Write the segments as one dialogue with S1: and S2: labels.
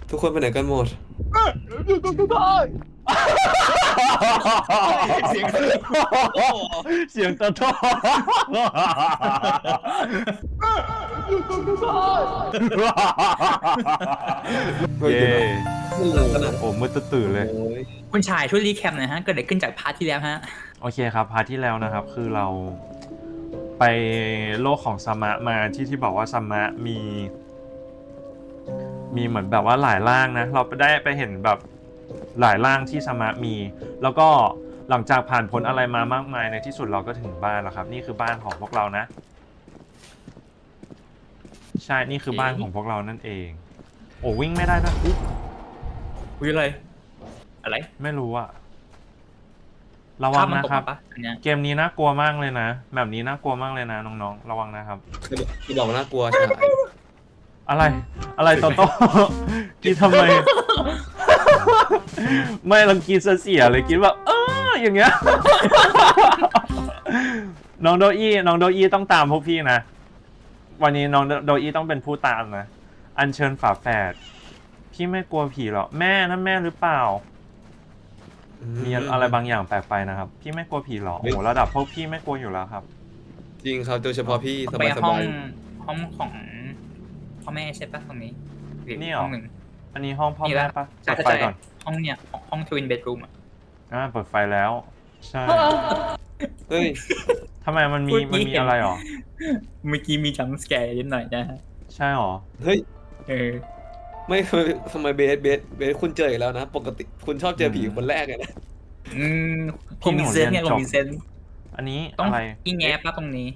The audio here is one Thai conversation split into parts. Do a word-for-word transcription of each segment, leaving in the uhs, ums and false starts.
S1: ทุกคนไปไหนกันหมด
S2: อยู่ตรงสุดท้ายเสียง
S3: เสียงตะท้อ
S2: อยู่ตรงสุดท้าย
S3: เย้
S1: มันหลังขนาด
S3: โอ้มืดตื่นเลย
S1: โอ้ย
S2: คุณชายช่วยรีแคปหน่อยฮะเกิดอะไรขึ้นจากพาร์ทที่แล้วฮะ
S3: โอเคครับพาร์ทที่แล้วนะครับคือเราไปโลกของสมะมาที่ที่บอกว่าสมะมี มีเหมือนแบบว่าหลายร่างนะเราไปได้ไปเห็นแบบหลายร่างที่สมะมี แล้วก็หลังจากผ่านพ้นอะไรมามากมายในที่สุดเราก็ถึงบ้านแล้วครับนี่คือบ้านของพวกเรานะใช่นี่คือบ้านของพวกเรานั่นเองโอ้วิ่งไม่ได้ด้วยอุ๊ย
S2: คุยอะไรอะไร
S3: ไม่รู้อะระวังนะครับ
S2: ปะอันเนี้ย
S3: เกมนี้น่ากลัวมากเลยนะแบบนี้น่ากลัวมากเลยนะน้องๆระวังนะครับ
S1: คือบอกน่ากลัวใช่
S3: อะไรอะไรโตโต้ กินทำไม ไม่ลังกินเสียเลยกินแบบเอออย่างเงี้ย น้องโดอี้น้องโดอี้ต้องตามพวกพี่นะวันนี้น้องโดอี้ต้องเป็นผู้ตามนะอัญเชิญฝาแฝดพี่ไม่กลัวผีหรอแม่นั่นแม่หรือเปล่ามีอะไรบางอย่างแปลกไปนะครับพี่ไม่กลัวผีหรอโอ้โหระดับพวกพี่ไม่กลัวอยู่แล้วครับ
S1: จริงครับโดยเฉพาะพี่ส
S2: ไป
S1: บายส
S2: ห้อง
S1: บาย
S2: ห้องของพ่อแม่ใช่ปะตรงนี้หรือ
S3: นี่เหรอ
S2: ห้องหนึ่ง
S3: อันนี้ห้องพ่อ
S2: นี่
S3: แม่
S2: ละ
S3: ปะ
S2: ใช่
S3: เปิดไฟ
S2: ใช่
S3: ก่อน
S2: ห้องเนี่ยห้องทวินเบดรูมอ่ะ
S3: อ่าเปิดไฟแล้วใช่
S1: เฮ้ย
S3: ทำไมมันมีมันมีอะไรหรอ
S2: เมื่อกี้มีจัมป์สแกร์นิดหน่อยนะฮะ
S3: ใช่หรอ
S1: เฮ้ย
S2: เออ
S1: ไม่ทำไมทำไมเบสเบสเบสคุณเจออีกแล้วนะ ปกติคุณชอบเจอผีคนแรกเลยนะ
S2: อืม
S3: พี่
S2: ผม
S3: หนู
S2: มีเซนส์ไง
S3: เรียน
S2: ผ
S3: จ
S2: ม
S3: บ
S2: มีเซนส์
S3: อันนี้
S2: ต้อง
S3: อะไร
S2: ที่แงบปะตรงนี้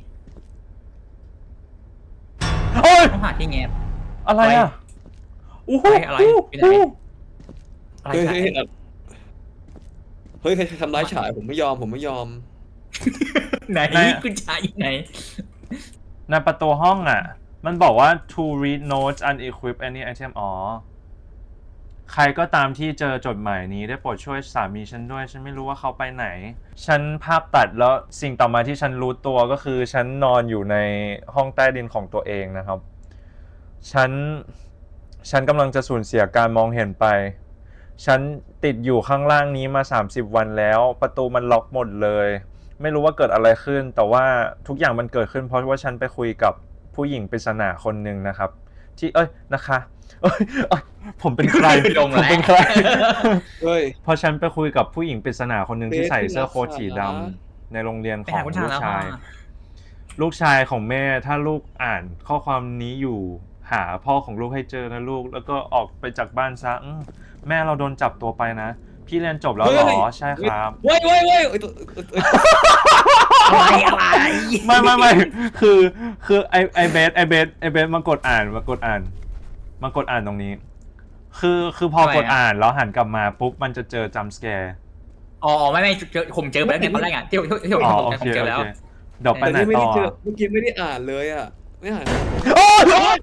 S3: โอ้ย
S2: ต้องหาที่แงบ
S3: อะไรอ่ะอู้หู
S2: อะไร
S3: อู้
S2: ไปไหน
S3: หู
S2: อะไร
S1: เฮ้ย
S2: ใช่
S1: เฮ้ยเฮ้ยใครทำร้ายฉายผมไม่ยอมผมไม่ยอม
S2: ไหนคุณชายอยู่ไหน
S3: ในประตูห้องอ่ะ มันบอกว่า to read notes unequip any item อ๋อ ใครก็ตามที่เจอจดหมายนี้ได้โปรดช่วยสามีฉันด้วย ฉันไม่รู้ว่าเขาไปไหน ฉันภาพตัดแล้วสิ่งต่อมาที่ฉันรู้ตัวก็คือ ฉันนอนอยู่ในห้องใต้ดินของตัวเองนะครับ ฉัน ฉันกำลังจะสูญเสียการมองเห็นไป ฉันติดอยู่ข้างล่างนี้มาสามสิบวันแล้ว ประตูมันล็อกหมดเลย ไม่รู้ว่าเกิดอะไรขึ้น แต่ว่าทุกอย่างมันเกิดขึ้นเพราะว่าฉันไปคุยกับผู้หญิงปริศนาคนหนึ่งนะครับ ที่เอ้ยนะคะเอ้ยเอ้ยผมเป็นใคร
S2: ลง
S3: ผม
S2: แล้ว
S3: เป็นใคร
S1: เฮ้ย
S3: เพราะฉันไปคุยกับผู้หญิงปริศนาคนหนึ่งที่
S1: เบส
S3: ใส่เสื้อโค้ท
S1: คุณ
S3: สี
S1: รั
S3: ดำ
S1: กษา
S3: ในโรงเรียน
S2: ไป
S3: ของ
S2: หาคุณชา
S3: ลู
S2: ย
S3: ก
S2: แล้ว
S3: ชาย
S2: อ่ะ
S3: ลูกชายของแม่ถ้าลูกอ่านข้อความนี้อยู่หาพ่อของลูกให้เจอนะลูก แล้วก็ออกไปจากบ้านซะอืมแม่เราโดนจับตัวไปนะ พี่เรียนจบแล้วเหรอใช่ครับ
S1: เว้ยเว้ยเว้ยเอ้ยตัวเอ้ยเอ้ย
S2: อะไรอะไร
S3: ไม่ไม่ไม่คือคือไอไอเบสไอเบสไอเบสมากดอ่านมากดอ่านมากดอ่านตรงนี้ คือคือพอกดอ่านแล้วหันกลับมาปุ๊บมันจะเจอจัมป์สแกร์
S2: อ๋อไม่ไม่เจอผมเจอไปแล้วไงตอนแรกอ่ะที่ที่ที่ผม
S3: อ๋อ
S2: ผม
S3: โอ
S2: ผ
S3: เค
S2: มเจอ
S3: โอ
S2: แล้ว
S3: เคเดี๋ยวไป
S1: แต่
S3: ไหน
S1: นี่ไม่
S3: ต่
S1: ได้
S3: อ
S1: เจอเมื่อกี้ไม่ได้อ่านเลยอ่ะไม่อ่าน
S3: โอ้ย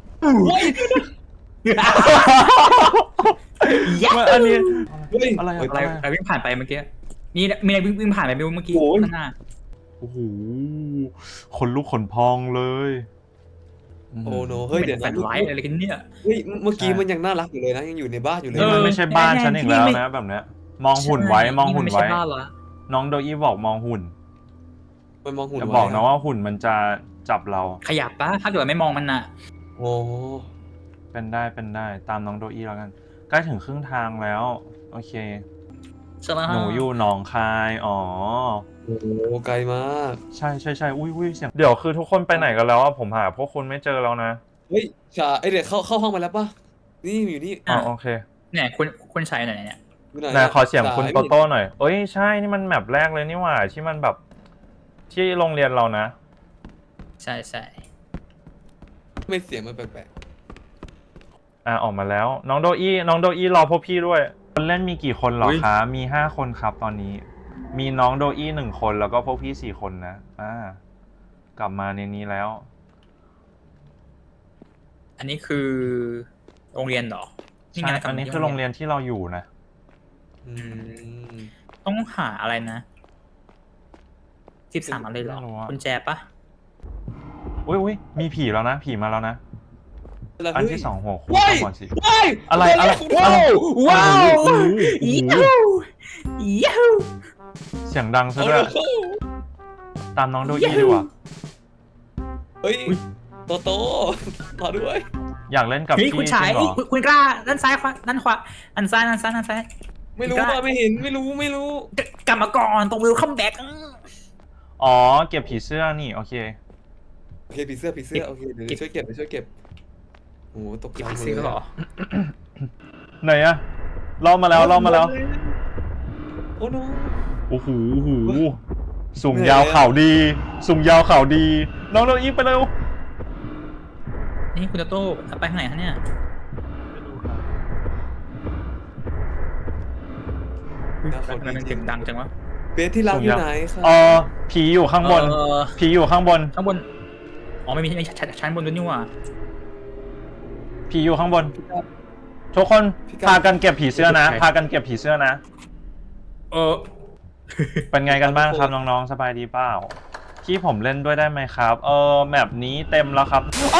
S2: ยั
S3: มันอันนี้
S1: เฮ้ย
S3: อะไรอะ
S1: เฮ้ย
S2: อะไรอะไรวิ่งผ่านไปเมื่อกี้มีมีอะไรวิ่งวิ่งผ่านไปไม่รู้เมื่อกี้
S1: โอ้ย
S2: ข้างหน้า
S3: โอ้โหขนลุกขนพองเลย
S1: โอ้โนเฮ้ยเดี๋ยว
S2: แฟ
S1: นะ
S2: นไลท์อะไรกันเนี่ย
S1: เฮ้ยเมื่อกี้มันยังน่ารักอยู่เลยนะยังอยู่ในบ้านอยู่เลย
S3: นี่มัน
S1: นะ
S3: ไม่ใช่บ้านฉันอีกแล้วนะแบบเนี้ยมองหุ่นไว้มองหุ่นไว้
S2: ม่ใช่บ้านละ
S3: น้องโดอี้บอกมองหุ่น
S1: มันมองหุ่น
S3: จะ
S1: ไว้
S3: บอกนะว่าหุ่นมันจะจับเรา
S2: ขยับปะถ้าเกิดไม่มองมันน่ะ
S1: โอ้
S3: เป็นได้เป็นได้ตามน้องโดอี้แล้วกันใกล้ถึงครึ่งทางแล้วโอเค
S2: ใช่ไหม
S3: หนูอยู่หนองคายอ๋อ
S1: โหไกลมาก
S3: ใช่ใช่ใช่อุ้ยอุ้ยเสียงเดี๋ยวคือทุกคนไปไหนกันแล้วอะผมหาพวกคุณไม่เจอแล้วนะ
S1: เฮ้ยชาไอยเดี๋ยวเข้าเข้าห้องมาแล้วปะนี่อยู่นี่
S3: อ๋อโอเค
S2: เนี่ยคุณคุณชายไหนเนี่ย
S1: อยู่ไหน
S3: นายขอเสียง
S1: สา
S3: คุณโตโต้หน่อยเอ้ยใช่นี่มันแมปแรกเลยนี่หว่าที่มันแบบที่โรงเรียนเรานะ
S2: ใช่ใช่
S1: ไม่เสียงมันแปลก
S3: อ่าออกมาแล้วน้องโดอี้น้องโดอี้รอพวกพี่ด้วยคนเล่นมีกี่คนเหรอคะมีห้าคนครับตอนนี้ มีน้องโดอี้หนึ่งคนแล้วก็พวกพี่สี่คนนะอ่ากลับมาในนี้แล้ว
S2: อันนี้คือโรงเรียนเหรอ
S3: ใช่อันนี้คือโรงเรียนที่เราอยู่นะ
S1: ๆอืม
S2: ต้องหาอะไรนะสิบสามอะไรเหรอ
S3: ไม่รู้อะ
S2: คุณแจปะ
S3: อุ้ยอุ้ยมีผีแล้วนะผีมาแล้วนะอันที่สองหัวคู่
S1: ว้าย
S3: ก่อนสิ
S1: ว้าย
S3: อะไรอะไร
S1: ว้าว
S2: ว้าว
S3: โอ้โห
S2: ยูยู
S3: เสียงดังซะ
S1: โอ้
S3: ด้วย
S1: โห
S3: ตามน้องโดอี้ดีกว่า
S1: เฮ้ยโตโต้มาด้วย
S3: อยากเล่นกับ
S2: นี่
S3: พี่
S2: คุณ
S3: จ
S2: ชาย
S3: ริงเหรอ
S2: คุณคุณกล้าด้านซ้ายขวาด้านขวาด้านซ้ายด้านซ้ายด้านซ้าย
S1: ไม่รู้
S2: กล้า
S1: ว่าไม่เห็นไม่รู้ไม่รู้
S2: กลับมาก่อนตรงวิลคัมแบ็ก
S3: อ๋อเก็บผีเสื้อนี่โอเค
S1: โอเคผีเสื้อผีเสื้อโอเคเดี๋ยว
S2: เก็บ
S1: ช่วยเก็บเดี๋ยวช่วยเก็บโอ้โหตกใจ
S2: เก็บ
S1: หมด
S2: ซื้อ
S1: เลย
S2: เหรอ
S3: ไหนอะล่อมาแล้วล่อมาแล้ว
S1: โอ้โน
S3: โอ้โหโอ้โหสูงยาวเข่าดีสูงยาวเข่าดี น้องโดอี้ไปเร็ว
S2: นี่คุณโตโต้ไปทางไหนคะเนี่ยทำไมมันเสียงดังจังวะ
S1: เบสที่รักอยู่ไหนครับ
S3: เออผีอยู่ข้างบน
S2: เออ
S3: ผีอยู่ข้างบน
S2: ข้างบนอ๋อไม่มีไม่ชั้นชั้นบนด้วยนี่หว่า
S3: ผีอยู่ข้างบน ทุกคนพากันเก็บผีเสื้อนะ พากันเก็บผีเสื้อนะ
S2: เออ
S3: เป็นไงกันบ้างครับน้องๆสบายดีเปล่าที่ผมเล่นด้วยได้ไหมครับ เออแมปนี้เต็มแล้วครับ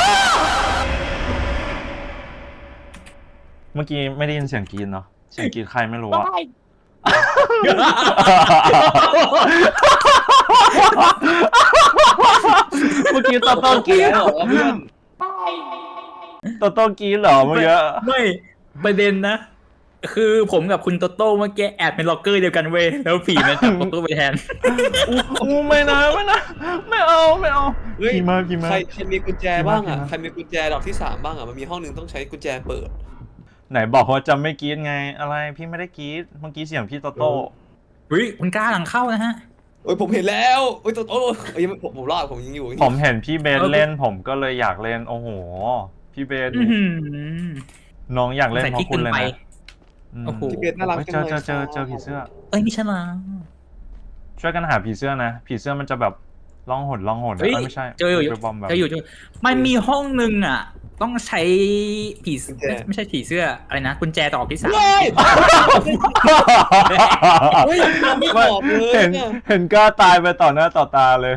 S3: เมื่อกี้ไม่ได้ยินเสียงกรีดเนาะเสียงกรีดใครไม่รู้อะเมื่อกี้โตโต้กรีด
S1: เหรอเพื่อน
S3: โตโต้กรีดเหรอเมื่อกี้
S2: ไม่ประเด็นนะ คือผมกับคุณโตโต้เมื่อกี้แอบเป็นล็อกเกอร์เดียวกันเว้ยแล้วผีมันจับโตโต้ไปแทน
S3: อู้ไม่นะไม่นะไม่เอาไม่เอา
S1: เฮ้ย
S3: พี่มาพี่มา
S1: ใครใครมีกุญแจบ้างอ่ะ
S3: พี่มา
S1: ใครมีกุญแจดอกที่สามบ้างอ่ะมันมีห้องหนึ่งต้องใช้กุญแจเปิด
S3: ไหนบอกว่าจะไม่กรีดไงอะไรพี่ไม่ได้กรีดเมื่อกี้เสียงพี่โตโต้
S2: เฮ้ยคุณกล้าหลังเข้านะฮะ
S1: โอ้ยผมเห็นแล้วโอ้ยโตโต้เอ้ยยังไม่ผมผมรอดผมยังอยู่
S3: ผมเห็นพี่เบน
S2: เออ
S3: เล่นผมก็เลยอยากเล่นโอ้โหพี่เบน
S2: อื้อหือ
S3: น้องอยากเล่น
S2: ใส่
S3: เพ
S2: พริก
S3: ราะคุณเลย
S2: เกินไป
S3: นะม
S2: โอ้โห
S1: พี่เบสน่ารัก
S3: เฮ้ย
S1: จัง
S3: เจอ
S1: เลย
S3: เจอเจอเจอผีเสื้อ
S2: เอ้ยไม่ใช่ละ
S3: ช่วยกันหาผีเสื้อนะ ผีเสื้อมันจะแบบล่องหนล่องหน
S2: เฮ้ย
S3: เอ้ยไม่ใช่
S2: เจออยู่
S3: ไปบอมแบบ
S2: เจออยู่เจอมันมีห้องหนึ่งอ่ะ ต้องใช้ผีไม่ไม่ใช่ผีเสื้ออะไรนะกุญแจดอกที่สาม
S1: เฮ้ยเฮ้ยยังไม่ตอบเลย
S3: เห็น
S1: อะ
S3: เห็นกล้าตายไปต่อหน้าต่อตาเลย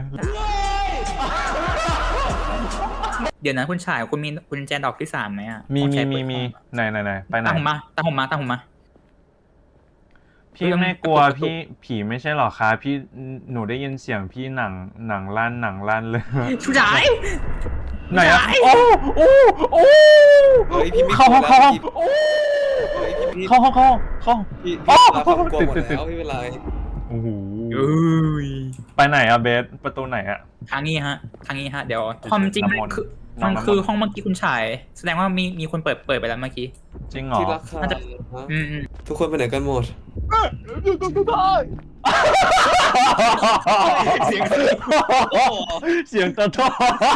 S2: เดี๋ยวนะคุณชายคุณมีกุญแจดอกที่สามไหมอ่ะ
S3: มี
S2: ต้อง
S3: มี
S2: ใช้
S3: มี
S2: เปิด
S3: มี
S2: ห้อง
S3: ไหนไหนไหนไปไหน
S2: ตามผมมาตามผมมาตามผมมา
S3: พี่ไม่กลัวพี่ผีไม่ใช่หรอคะพี่หนูได้ยินเสียงพี่หนังหนังลั่นหนังลั่นเลย
S2: ชุดาย
S3: ไหนอะ
S2: ไหน
S3: โอ้โอ้โอ้
S1: เฮ้ยพี่ไม่
S3: เข้าก
S1: ลั
S3: ห้
S1: ว
S3: อง
S1: แล้ว
S3: เข้าห้อง
S1: พี่
S3: โอ้
S1: เฮ้ยพี่พี่
S3: เข้าห้องเข้าห้องเข้า
S1: พี่
S3: โอ้
S1: พี่รับความกลัวหมด
S3: ติดติด
S1: แล้วไม่เป็นไร
S3: โอ้โห
S2: เอ้ย
S3: ไปไหนอะเบสประตูไหนอะ
S2: ทางนี้ฮะ ทางนี้ฮะ เดี๋ยวความจริง
S3: น้ำมนต์
S2: คือ
S3: น้อง
S2: มัน
S3: น้ำมนต์
S2: คือห้องเมื่อกี้คุณชาย แสดงว่ามีมีคนเปิดเปิดไปแล้วเมื่อกี้
S3: จริงเหรอ
S1: ที่รักค่ะ
S2: น่าจะ
S1: ฮะ
S2: อืมอืม
S1: ทุกคนไปไหนกันหมด
S3: เสียงเสียงตะท้อ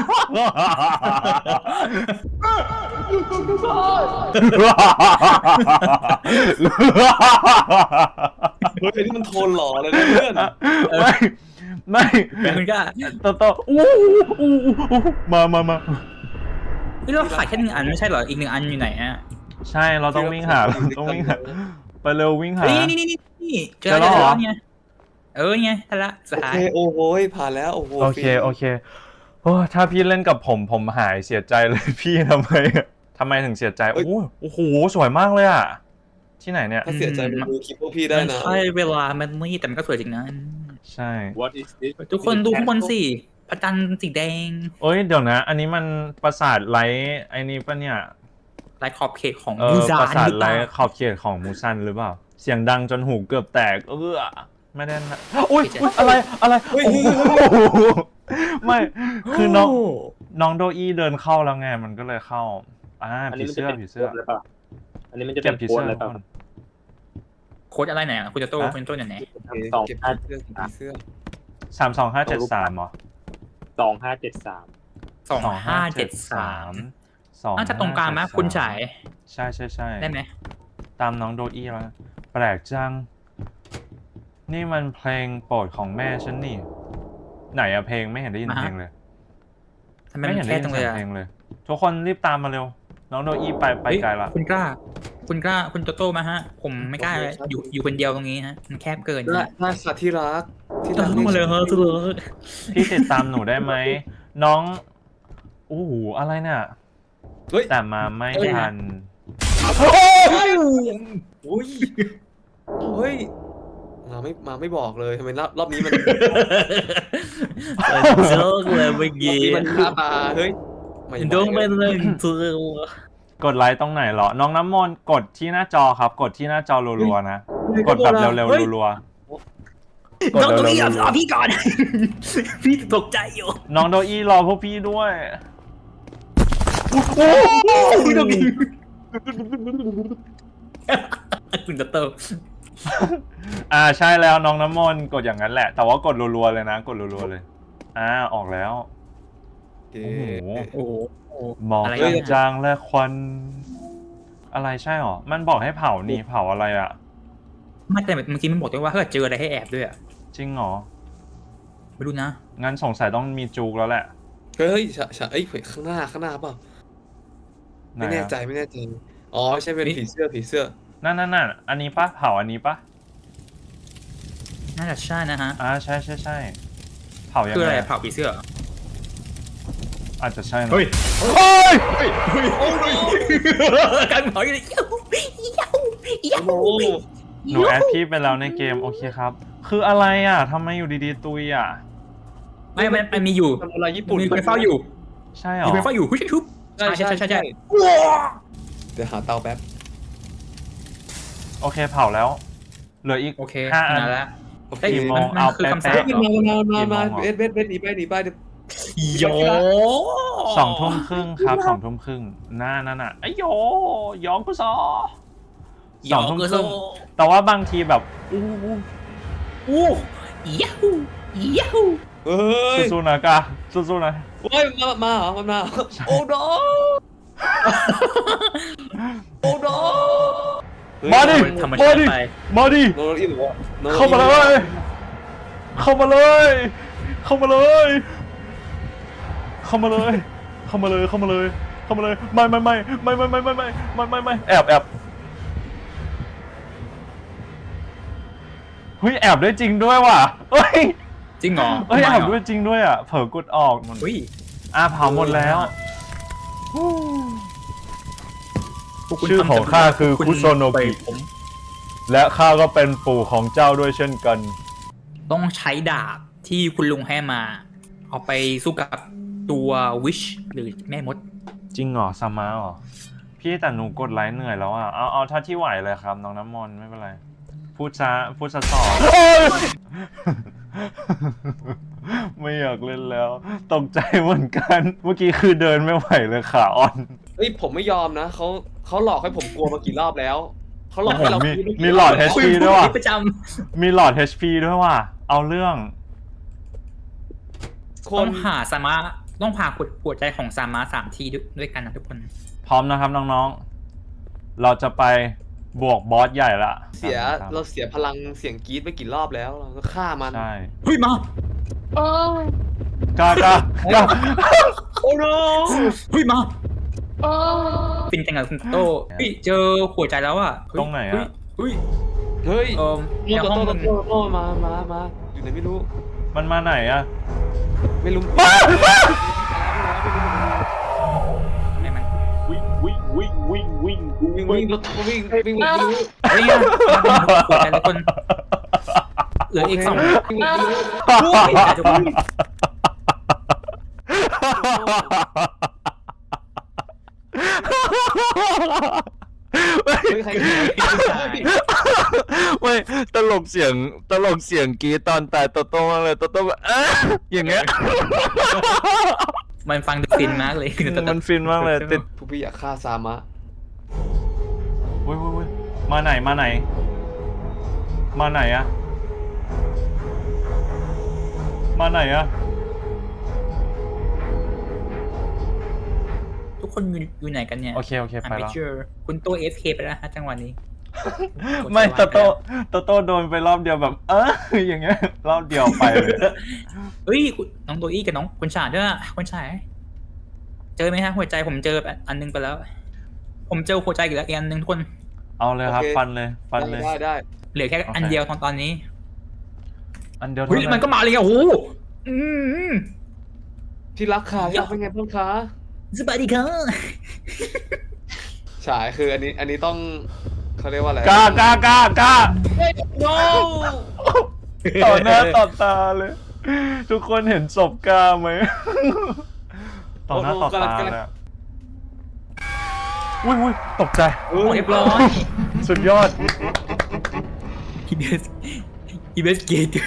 S1: เฮ้ยนี่มันโทนหล่อเลยนะเพื่อน
S3: ไม่ไม่
S2: เป็นคุณกล้า
S3: ตะท้ออู้อู้อู้มามามา
S2: พี่เราขายแค่หนึ่งอันไม่ใช่เหรอ อีกหนึ่งอันอยู่ไหนอ่ะ
S3: ใช่เราต้องวิ่งหาเราต้องวิ่งหาไปเร็ววิ่งหา
S2: เฮ้ยนี่นี่นี่นี่เจอ
S3: เจอแล้
S2: แล้ว ว
S3: เหรอ
S2: เนี่ยเออไงทันละสุด
S1: โอ
S2: ท้าย
S1: เคโอ้โหผ่านแล้วโอ้โห
S3: โอเคโอเคโอ้ถ้าพี่เล่นกับผมผมหายเสียใจเลยพี่ทำไมอะทำไมถึงเสียใจโอ้โหโอ้โหสวยมากเลยอะที่ไหนเนี่ย
S1: ถ้าเสียใจไปดูคลิปพวกพี่ได้
S2: มัน
S1: นะ
S2: ใช่เวลามันนี่แต่มันก็สวยจริงนะ
S3: ใช่
S4: What is this
S2: ทุกคนดูข้างบนสิพระจันทร์สีแดง
S3: เอ้ยเดี๋ยวนะ อันนี้มันปราสาทไลท์ไอ้นี่ปะเนี่ย
S2: ลายขอบเขตของ
S3: เอ
S2: มู
S3: อ
S2: ซา
S3: ปราสาท
S2: หรือ
S3: ไล
S2: เปล่า
S3: ท์ขอบเขตของมูซันหรือเปล่า เสียงดังจนหูเกือบแตกเออไม่ได้นะอุ้ยอุ๊ยอะไรอะไรโอ้โหไม่คือน้องน้องโดอี้เดินเข้าแล้วไงมันก็เลยเข้าอ่า
S4: อัน
S3: ผี
S4: นี้มันจะ
S3: เสื้อ
S4: เป็น
S3: ผีเสื้อ
S4: โค้ดเลยป่ะอันนี้มันจะ
S3: เก็
S4: เป็
S3: บ
S4: น
S3: ผี
S4: โค้ด
S3: เสื้อ
S4: เลย
S3: ทุก
S4: ป่ะ
S3: คน
S2: โค้ดอะไรไหนอ่ะคุณจะโต้
S3: ฮะ
S2: คุณโต้ไหนไหน
S4: สอง
S1: เก็บ
S4: ห้า
S1: เสื้อเก็บเสื้อ
S3: สามสองห้าเจ็ดสามเหรอ
S4: สองห้าเจ็ดสาม
S2: สองห้าเจ็ดสาม
S3: สอง
S2: น่าจะตรงกลางไหมคุณฉาย
S3: ใช่ใช่ใช่
S2: ได้ไหม
S3: ตามน้องโดอี้แล้วนะแปลกจัง นี่มันเพลงโปรดของแม่ฉันนี่ ไหนอะเพลงไม่เห็นได้ยินเพลงเลย
S2: ทำไม
S3: ไม่
S2: มั
S3: เห็
S2: น
S3: น
S2: แค่
S3: ได้ยิ
S2: ตร
S3: น
S2: งเล
S3: เสี
S2: ย
S3: ยง
S2: อ่ะ
S3: เพลงเลย ทุกคนรีบตามมาเร็ว น้องโดอี้ไปไป
S2: เฮ้ย
S3: ไกลละ
S2: คุณกล้า คุณกล้าคุณโตโต้มาฮะ ผมไม่กล้าเลยอยู่อยู่คนเดียวตรงนี้ฮะมันแคบเกิน
S1: ได้
S2: ฮะ
S1: ได้ค่ะที่รักที่
S2: ต้
S1: รั
S2: อก งมาเลยฮะทุกคน
S3: พี่ติดตามหนูได้ไหม น้องโอ้โหอะไรเนี่ย
S1: เฮ้ย
S3: แต่มาไม่ทัน
S1: อุ้ยเฮ้ยมาไม่มาไม่บอกเลยทำไมรอบรอบนี้มัน
S2: โจ๊กเลยเมื่อ
S1: รอบ
S2: กี้
S1: นี้มันฆ่ามาเฮ้ยไม่
S2: โดนไปเลยตัว
S3: กดไลค์ตรงไหนเหรอ น้องน้ำมนต์กดที่หน้าจอครับ กดที่หน้าจอรัวๆนะ กดแบบเร็วๆรัวๆกด
S2: น้องตัว
S3: เร็ว
S2: นี้
S3: ๆ
S2: เอา
S3: รัว
S2: เอาพี่ก่อน พี่ตกใจอยู่
S3: ๆน้องโดอี้รอพวกพี่ด้วย
S2: พี่ตกใจคุณตะเติม
S3: อ่าใช่แล้วน้องน้ำมนต์กดอย่างนั้นแหละ แต่ว่ากดรัวๆเลยนะ กดรัวๆเลย อ่าออกแล้ว
S1: โอเค
S3: โอ้โห
S2: โอ้โห
S3: หมอก
S2: อะไร
S3: เอ้ย
S2: เนี่ย
S3: จางและควัน อะไรใช่หรอ มันบอกให้เผานี่เผาอะไรอ่ะ
S2: ไม่แต่เมื่อกี้มันบอกด้วยว่าถ้าเกิดเจออะไรให้แอบด้วยอ่ะ
S3: จริงเหรอ
S2: ไม่รู้นะ
S3: งั้นสงสัยต้องมีจูกแล้วแหละ
S1: เฮ้ยฉะฉะเอ้ยข้างหน้าข้างหน้าเปล่า
S3: ไหน
S1: ไม่แน่
S3: อะ
S1: ใจไม่แน่ใจอ๋อใช่เป็นผีเสื้อผีเสื้อ
S3: นั่นนั่นนั่นอันนี้ปะเผาอันนี้ปะ
S2: น่าจะใช่นะฮะ
S3: อ่าใช่ใช่ใช่เผายัง
S2: คือ
S3: ไง
S2: อะไร
S3: อะ
S2: เผาผีเสื้อ
S3: อาจจะใช่นะ
S2: เฮ้ย
S3: เฮ้ย
S2: การเผาอยู่เลยเย้าเย้าเย้า
S1: โอ้โห
S3: หนูแอดพี่ไปแล้วในเกมโอเคครับ คืออะไรอ่ะทำไมอยู่ดีๆตุยอ่ะ
S2: ไม่มันมันมีอยู่
S1: ทำอะไรญี่ปุ่น
S2: มีคนเฝ้าอยู่
S3: ใช่เหรอ
S2: มีคนเฝ้าอยู่หุ้ยทุบใช่ใช่ใช่ใช่
S1: เดี๋ยวหาเตาแป๊บ
S3: โอเคเผาแล้ว เหลืออีก
S2: โอเค
S3: ห้าอัน
S2: มาแล้ว
S1: โอเค
S3: กี่โมง
S2: มัน
S3: เอา
S2: คือ
S3: แป๊ะ
S2: คำสั่ง
S3: แป๊ะ
S1: มามามามา
S3: กี่โมงเหรอ
S1: เบสเบสเบสหนีไปหนีไปเดี๋ยว
S2: โย
S3: สองทุ่มครึ่งครับสองทุ่มครึ่งหน้านั่นอ่ะไอ้โยยองกุซอสองทุ่มครึ่งแต่ว่าบางทีแบบอู้อู้
S2: อู้ยาฮูยาฮู
S1: เฮ้ย
S3: สู้ๆนะกาสู้ๆนะ
S1: เฮ้ยมามาเหรอมามาโอ้โดโอ้โด
S3: มาดิ
S2: ธรรม
S3: มา
S2: ชาติ
S3: ดิ
S2: ไป
S3: มาดิ
S1: โนโรอีหรือว่า
S3: เข้ามาเลย เข้ามาเลย เข้ามาเลย เข้ามาเลย เข้ามาเลย เข้ามาเลย เข้ามาเลย ไม่ไม่ไม่ไม่ไม่ไม่ไม่ไม่ไม่ไม่ไม่แอบแอบเฮ้ยแอบได้จริงด้วยว่ะเฮ้ย
S2: จริงเหรอ
S3: เฮ้ยแอบด้วยจริงด้วยอ่ะ เผลอกดออกมัน
S2: เฮ้ย
S3: อ่ะเผาหมดแล้ว
S2: พวกคุณ
S3: ชื่อของข้าคือ
S2: ณ
S3: คุโซโนกิ
S2: ผม
S3: และข้าก็เป็นปู่ของเจ้าด้วยเช่นกัน
S2: ต้องใช้ดาบที่คุณลุงให้มา เอาไปสู้กับตัววิชหรือแม่มด
S3: จริงเหรอซามาเหรอ พี่แต่หนูกดไลค์เหนื่อยแล้วอ่ะ เอาเอาเท่าที่ไหวเลยครับ น้องน้ำมนต์ไม่เป็นไร พูดช้าพูดช้าต่อ ไม่อยากเล่นแล้ว ตกใจเหมือนกัน เมื่อกี้คือเดินไม่ไหวเลยขาอ่อน
S1: เฮ้ยผมไม่ยอมนะเขาเขาหลอกให้ผมกลัวมากี่รอบแล้วเขาหลอกให้เรา
S3: มี
S1: คิดว่า
S3: มีหลอด
S1: กี่รบ
S3: เอช พี ด้วยว่ะ
S2: ประจ
S3: มีหลอด เอช พี ด้วยว่ะ เอาเรื่อง
S1: ค
S2: ำต้อน งหาสามารถต้องผ่าขวดหัวใจของสามารถสามทีด้วยด้วยกันนะทุกคน
S3: พร้อมนะครับน้องๆ เราจะไปบวกบอสใหญ่ละ
S1: เสียเราเสียพลังเสียงกรี๊ดไปกี่รอบแล้วเราก็ฆ่ามัน
S3: ใช่
S2: เฮ้ยมา
S3: กล้ากล้ากล้า
S1: โอ้โน
S2: เฮ้ยมาฟินจังกับคุณโตเฮ้ยเจอหัวใจแล้วอ่ะเฮ้ย
S3: ตรงไหนอะ
S2: เฮ้ย
S1: เฮ้ย
S2: เออ
S1: โต
S2: ใน
S1: โต
S2: ห้อง
S1: โต
S2: มัน
S1: โตโตมามามาอยู่ไหนไม่รู้
S3: มันมาไหนอะ
S1: ไม่รู้
S2: ให้มัน
S4: วิ่งวิ่งวิ่งวิ่งวิ่ง
S1: วิ่งวิ่งรถวิ่งวิ่งไม่รู้
S2: เฮ้ยมาเป็นหัวใจทุกคนเหลืออีกสอง
S1: วิ่งไม่รู้
S2: ทุกคน
S1: เฮ้ยใครใครใคร
S3: ไม่ตลกเสียงตลกเสียงกรีดตอนตายโตโต้มากเลยโตโต้แบบอ่ะอย่างเงี้ย
S2: มันฟังดูฟินมากเลย
S3: มันฟินมากเลยติด
S1: ผู้พี่อยากฆ่าซามะ
S3: เว้ยเว้ยเว้ยมาไหนมาไหน มาไหนอะมาไหนอะ
S2: ทุกคนอยู่อยู่ไหนกันเนี่ย
S3: โอเคโอเค
S2: อ่ะ
S3: ไป
S2: ไม่
S3: แล้ว
S2: เจอคุณโตเอฟเคไปแล้วฮะจังหวะนี้
S3: ไม่โตโต้โตโต้โดนไปรอบเดียวแบบ เอออย่างเงี้ยรอบเดียวไปเลย
S2: เฮ้ยคุณน้องโตอี้กับน้องคุณฉาดด้วยอะคุณฉายเจอไหมฮะหัวใจผมเจออันนึงไปแล้ว ผมเจอหัวใจอีกแล้วอีกอันนึงทุกคน
S3: เอาเลยครับ ฟันเลยฟันเลย
S1: ได้ได้
S2: เหลือแค่อันเดียวตอนตอนนี้
S3: อันเดียว
S2: เฮ้ย
S3: เท่า
S2: มันก็มาเลยอ่ะโอ้โหอืม
S1: ที่รักค่ะอยากเป็นไงบ้างคะ
S2: สวัสดีครับ
S1: ฉายคืออันนี้อันนี้ต้องเขาเรียกว่าอะไร
S3: กล้ากล้ากล้ากล้า
S1: โน้
S3: ต่อหน้าต่อตาเลย ทุกคนเห็นศพกล้าไหม ต่อหน้าต่อตาเลยอะอุ้ยอุ้ยตกใจ
S2: โอ้เรียบร้อย
S3: สุดยอด
S2: ฮีเบสฮีเบสเกต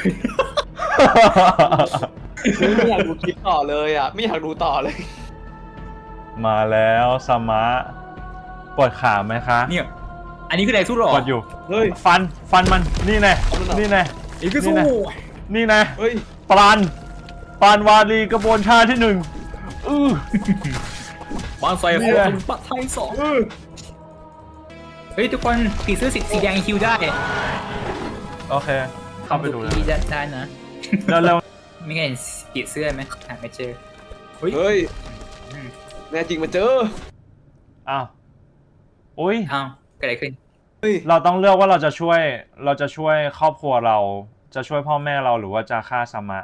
S1: ไม่อยากดูคลิปต่อเลยอ่ะไม่อยากดูต่อเลย
S3: มาแล้วสมะปวดขาไหมคะ
S2: เนี่ยอันนี้คืออะไรสู้หรอ
S3: ปวดอยู่
S1: เฮ้ย
S3: ฟันฟันมันนี่แน่
S1: เอามันเหรอ
S3: นี่แน่
S2: อีกก็สู้
S3: นี่แน่
S1: เฮ้ย
S3: ปรานปรานวารีกระบวนชาที่หนึ่งอือ
S2: บ้านไฟ
S3: เนี่
S2: โค
S3: ย
S2: ตรปัดไทยสองเฮ้ยทุกคนผีเสื้อสีสีแดงคิวได้
S3: โอเค เข้าไปดูเลย
S2: ได้ได้นะ
S3: เร็ว
S2: ไม่เห็นผีเสื้อไหมหาไม่เจอ เฮ้ย
S1: เฮ้ยแน่จริงมาเจอ
S3: ๆอ้าวอุ้ย
S2: อ้าวเกิดอะไรขึ้น
S1: เฮ้ย
S3: เราต้องเลือกว่าเราจะช่วย เราจะช่วยครอบครัวเรา จะช่วยพ่อแม่เราหรือว่าจะฆ่าสมะ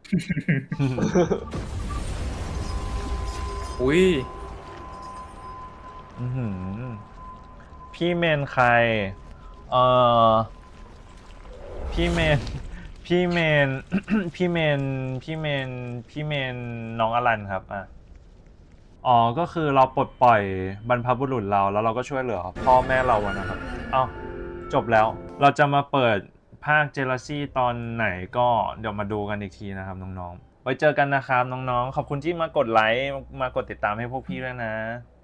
S2: อุ้ย
S3: อื้อหือพี่เมนใคร เอ่อ พี่เมน พี่เมน พี่เมน พี่เมน พี่เมนน้องอลันครับอ่ะอ๋อ ก็คือเราปลดปล่อยบรรพบุรุษเราแล้วเราก็ช่วยเหลือพ่อแม่เราอะนะครับ เอ้า จบแล้ว เราจะมาเปิดภาคเจลซี่ตอนไหนก็เดี๋ยวมาดูกันอีกทีนะครับน้องๆ ไว้เจอกันนะครับน้องๆ ขอบคุณที่มากดไลค์ มากดติดตามให้พวกพี่ด้วยนะ